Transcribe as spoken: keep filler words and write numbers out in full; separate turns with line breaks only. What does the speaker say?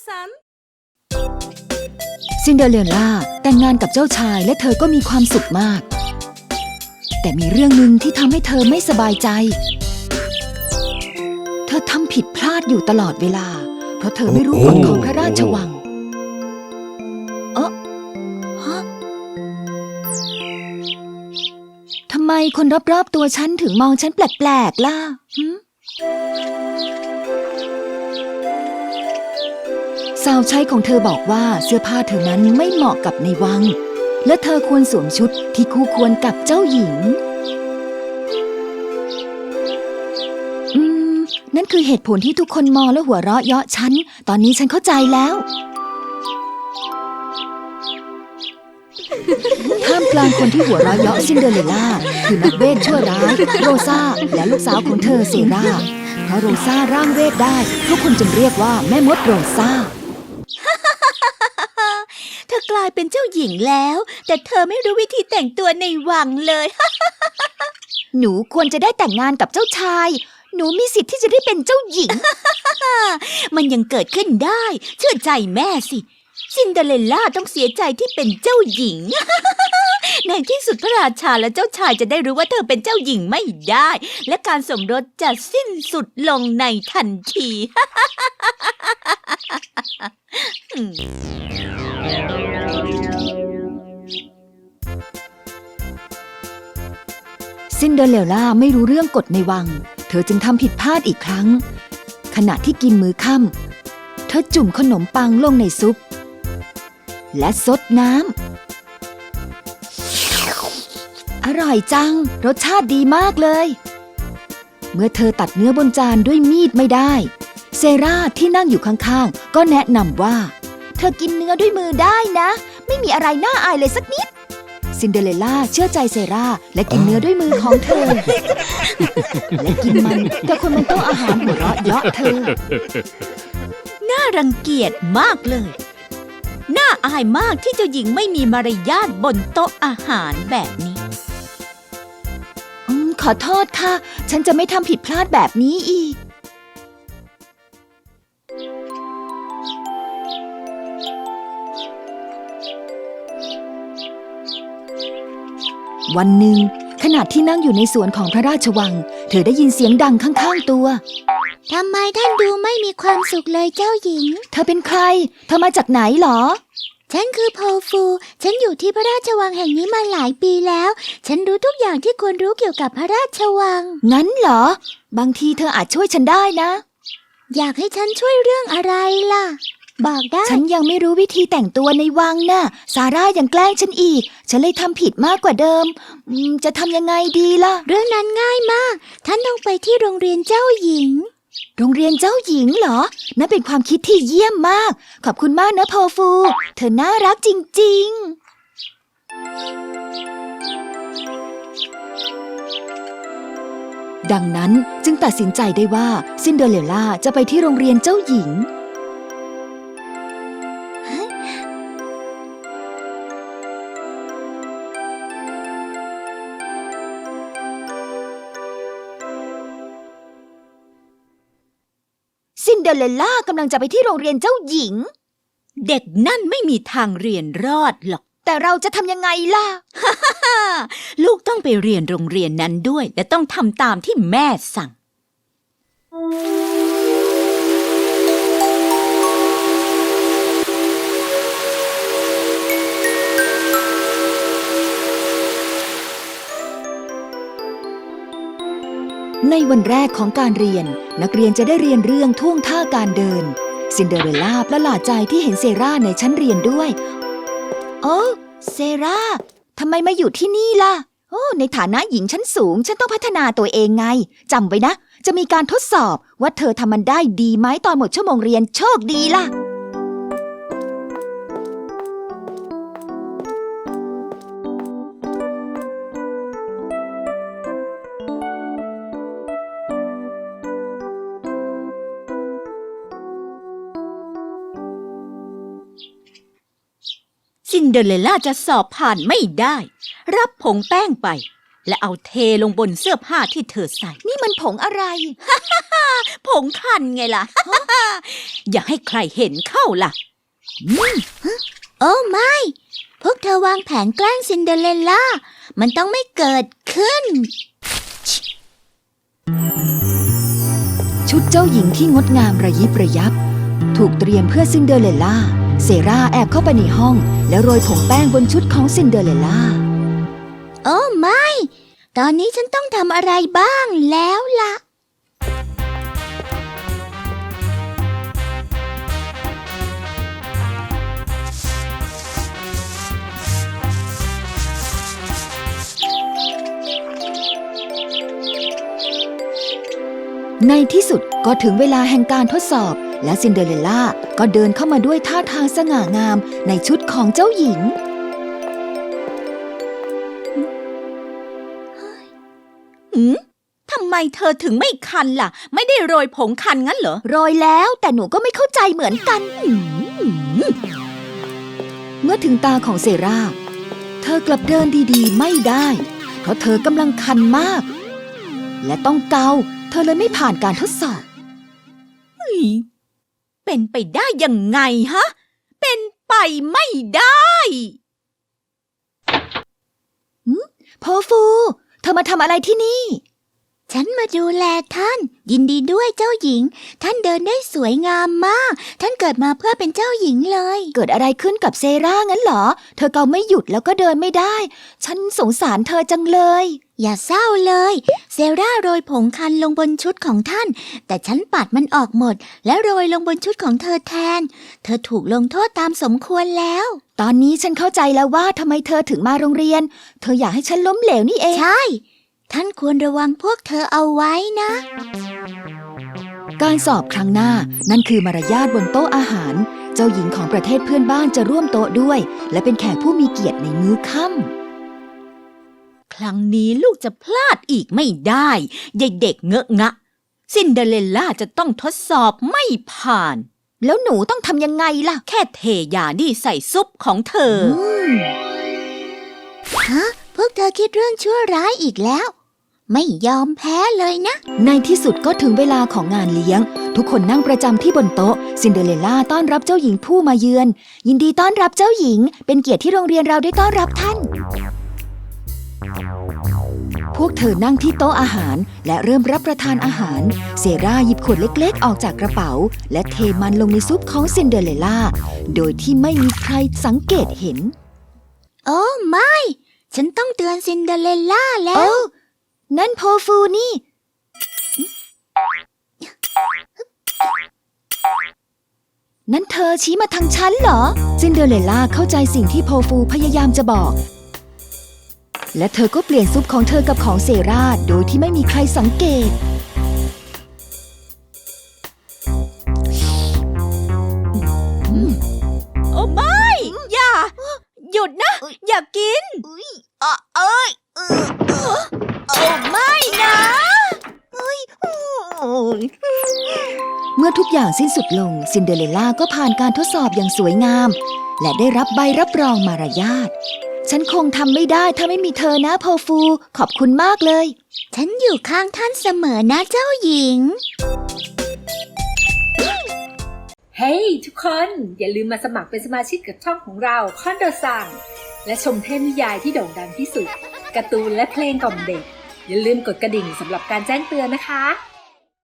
さん
ซินเดอเรลล่าแต่งงานกับเจ้าชายและเธอก็มีความสุขมากแต่มีเรื่องหนึ่งที่ทำให้เธอไม่สบายใจเธอทำผิดพลาดอยู่ตลอดเวลาเพราะเธอไม่รู้กฎของพระราชวังเอ๊ะฮะทำไมคนรอบๆตัวฉันถึงมองฉันแปลกๆล่ะหึสาวใช้ของเธอบอกว่าเสื้อผ้าเธอนั้นไม่เหมาะกับในวังและเธอควรสวมชุดที่คู่ควรกับเจ้าหญิงอืมนั่นคือเหตุผลที่ทุกคนมองและหัวเราะเยาะฉันตอนนี้ฉันเข้าใจแล้วท่ามกลางคนที่หัวเราะเยาะซินเดอเรลล่าคือนักเวทชั่วร้ายโรซาและลูกสาวของเธอเซราเพราะโรซาร่างเวทได้ทุกคนจึงเรียกว่าแม่มดโรซา
เธอกลายเป็นเจ้าหญิงแล้วแต่เธอไม่รู้วิธีแต่งตัวในวังเลย
หนูควรจะได้แต่งงานกับเจ้าชายหนูมีสิทธิ์ที่จะได้เป็นเจ้าหญิง
มันยังเกิดขึ้นได้เชื่อใจแม่สิซินเดอเรลล่าต้องเสียใจที่เป็นเจ้าหญิง ในที่สุดพระราชาและเจ้าชายจะได้รู้ว่าเธอเป็นเจ้าหญิงไม่ได้และการสมรสจะสิ้นสุดลงในทันที
ซินเดอเรลล่าไม่รู้เรื่องกฎในวังเธอจึงทำผิดพลาดอีกครั้งขณะที่กินมื้อค่ำเธอจุ่มขนมปังลงในซุปและซดน้ำอร่อยจังรสชาติดีมากเลยเมื่อเธอตัดเนื้อบนจานด้วยมีดไม่ได้เซราที่นั่งอยู่ข้างๆก็แนะนำว่าเธอกินเนื้อด้วยมือได้นะไม่มีอะไรน่าอายเลยสักนิดซินเดอเรลล่าเชื่อใจเซราและกินเนื้อด้วยมือของเธอ และกินมันแต่คนบนโต๊ะอาหารหัวเราะเยาะเธอ
น่ารังเกียจมากเลยน่าอายมากที่เจ้าหญิงไม่มีมารยาทบนโต๊ะอาหารแบบนี้
อืมขอโทษค่ะฉันจะไม่ทำผิดพลาดแบบนี้อีกวันหนึ่งขณะที่นั่งอยู่ในสวนของพระราชวังเธอได้ยินเสียงดังข้างๆตัว
ทำไมท่านดูไม่มีความสุขเลยเจ้าหญิง
เธอเป็นใครเธอมาจากไหนหรอ
ฉันคือโพฟูฉันอยู่ที่พระราชวังแห่งนี้มาหลายปีแล้วฉันรู้ทุกอย่างที่ควรรู้เกี่ยวกับพระราชวัง
งั้นเหรอบางทีเธออาจช่วยฉันได้นะ
อยากให้ฉันช่วยเรื่องอะไรล่ะบอกได้
ฉันยังไม่รู้วิธีแต่งตัวในวังน่ะซาร่ายังแกล้งฉันอีกฉันเลยทำผิดมากกว่าเดิมจะทำยังไงดีล่ะ
เรื่องนั้นง่ายมากท่านต้องไปที่โรงเรียนเจ้าหญิง
โรงเรียนเจ้าหญิงเหรอนั่นเป็นความคิดที่เยี่ยมมากขอบคุณมากนะโพฟูเธอน่ารักจริงๆดังนั้นจึงตัดสินใจได้ว่าซินเดอเรลล่าจะไปที่โรงเรียนเจ้าหญิงซินเดอเรลล่ากำลังจะไปที่โรงเรียนเจ้าหญิง
เด็กนั่นไม่มีทางเรียนรอดหรอก
แต่เราจะทำยังไงล่ะ
ลูกต้องไปเรียนโรงเรียนนั้นด้วยและต้องทำตามที่แม่สั่ง
ในวันแรกของการเรียนนักเรียนจะได้เรียนเรื่องท่วงท่าการเดินซินเดอเรลล่าประหลาดใจที่เห็นเซราในชั้นเรียนด้วยโอ้เซราทำไมมาอยู่ที่นี่ล่ะโอ้ในฐานะหญิงชั้นสูงฉันต้องพัฒนาตัวเองไงจำไว้นะจะมีการทดสอบว่าเธอทำมันได้ดีไหมตอนหมดชั่วโมงเรียนโชคดีล่ะ
ซินเดอเรลล่าจะสอบผ่านไม่ได้รับผงแป้งไปและเอาเทลงบนเสื้อผ้าที่เธอใส่
นี่มันผงอะไร
ผงคันไงล่ะ อย่าให้ใครเห็นเข้าล่ะโอ้ไม่ พวกเธอวางแผนแกล้งซินเดอเรลล่า มันต้องไม่เกิดขึ้น
ชุดเจ้าหญิงที่งดงามระยิบระยับถูกเตรียมเพื่อซินเดอเรลล่าเซราแอบเข้าไปในห้องแล้วโรยผงแป้งบนชุดของซินเดอเรลล่า
โอ้ไม่ ตอนนี้ฉันต้องทำอะไรบ้างแล้วล่ะ
ในที่สุดก็ถึงเวลาแห่งการทดสอบและซินเดอเรลล่าก็เดินเข้ามาด้วยท่าทางสง่างามในชุดของเจ้าหญิง
หืมทำไมเธอถึงไม่คันล่ะไม่ได้โรยผงคันงั้นเหรอ
โรยแล้วแต่หนูก็ไม่เข้าใจเหมือนกันเมื่อถึงตาของเซราเธอกลับเดินดีๆไม่ได้เพราะเธอกำลังคันมากและต้องเกาเธอเลยไม่ผ่านการทดสอบ
เป็นไปได้ยังไงฮะเป็นไปไม่ได้
โพฟูเธอมาทำอะไรที่นี่
ฉันมาดูแลท่านยินดีด้วยเจ้าหญิงท่านเดินได้สวยงามมากท่านเกิดมาเพื่อเป็นเจ้าหญิงเลย
เกิดอะไรขึ้นกับเซรางั้นเหรอเธอเกาไม่หยุดแล้วก็เดินไม่ได้ฉันสงสารเธอจังเลย
อย่าเศร้าเลยเซราโรยผงคันลงบนชุดของท่านแต่ฉันปัดมันออกหมดแล้วโรยลงบนชุดของเธอแทนเธอถูกลงโทษตามสมควรแล้ว
ตอนนี้ฉันเข้าใจแล้วว่าทำไมเธอถึงมาโรงเรียนเธออยากให้ฉันล้มเหลวนี่เอง
ใช่ท่านควรระวังพวกเธอเอาไว้นะ
การสอบครั้งหน้านั่นคือมารยาทบนโต๊ะอาหารเจ้าหญิงของประเทศเพื่อนบ้านจะร่วมโต๊ะด้วยและเป็นแขกผู้มีเกียรติในมื้อค่
ำครั้งนี้ลูกจะพลาดอีกไม่ได้ยายเด็กเงอะงะซินเดอเรลล่าจะต้องทดสอบไม่ผ่าน
แล้วหนูต้องทำยังไงล่ะ
แค่เทยานี่ใส่ซุปของเธอฮะพวกเธอคิดเรื่องชั่วร้ายอีกแล้วไม่ยอมแพ้เลยนะ
ในที่สุดก็ถึงเวลาของงานเลี้ยงทุกคนนั่งประจำที่บนโต๊ะซินเดอเรลล่าต้อนรับเจ้าหญิงผู้มาเยือนยินดีต้อนรับเจ้าหญิงเป็นเกียรติที่โรงเรียนเราได้ต้อนรับท่านพวกเธอนั่งที่โต๊ะอาหารและเริ่มรับประทานอาหารเซราหยิบขวดเล็กๆออกจากกระเป๋าและเทมันลงในซุปของซินเดอเรลล่าโดยที่ไม่มีใครสังเกตเห็น
โอ้ไม่ฉันต้องเตือนซินเดอเรลล่าแล้ว
นั่นโพฟูนี่นั่นเธอชี้มาทางฉันเหรอซินเดอเรลล่าเข้าใจสิ่งที่โพฟูพยายามจะบอกและเธอก็เปลี่ยนซุปของเธอกับของเซราโดยที่ไม่มีใครสังเกต
โอ้ไม่อย่าหยุดนะอย่ากินเอ้ยเอ้ยโอ้ไม่นะ
เมื่อทุกอย่างสิ้นสุดลงซินเดอเรลล่าก็ผ่านการทดสอบอย่างสวยงามและได้รับใบรับรองมารยาทฉันคงทำไม่ได้ถ้าไม่มีเธอนะโพฟูขอบคุณมากเลย
ฉันอยู่ข้างท่านเสมอนะเจ้าหญิง
เฮ้ย hey, ทุกคนอย่าลืมมาสมัครเป็นสมาชิกกับช่องของเราคอนโดซังและชมเทพนิยายที่โด่งดังที่สุดการ์ตูนและเพลงกล่อมเด็กอย่าลืมกดกระดิ่งสำหรับการแจ้งเตือนนะคะ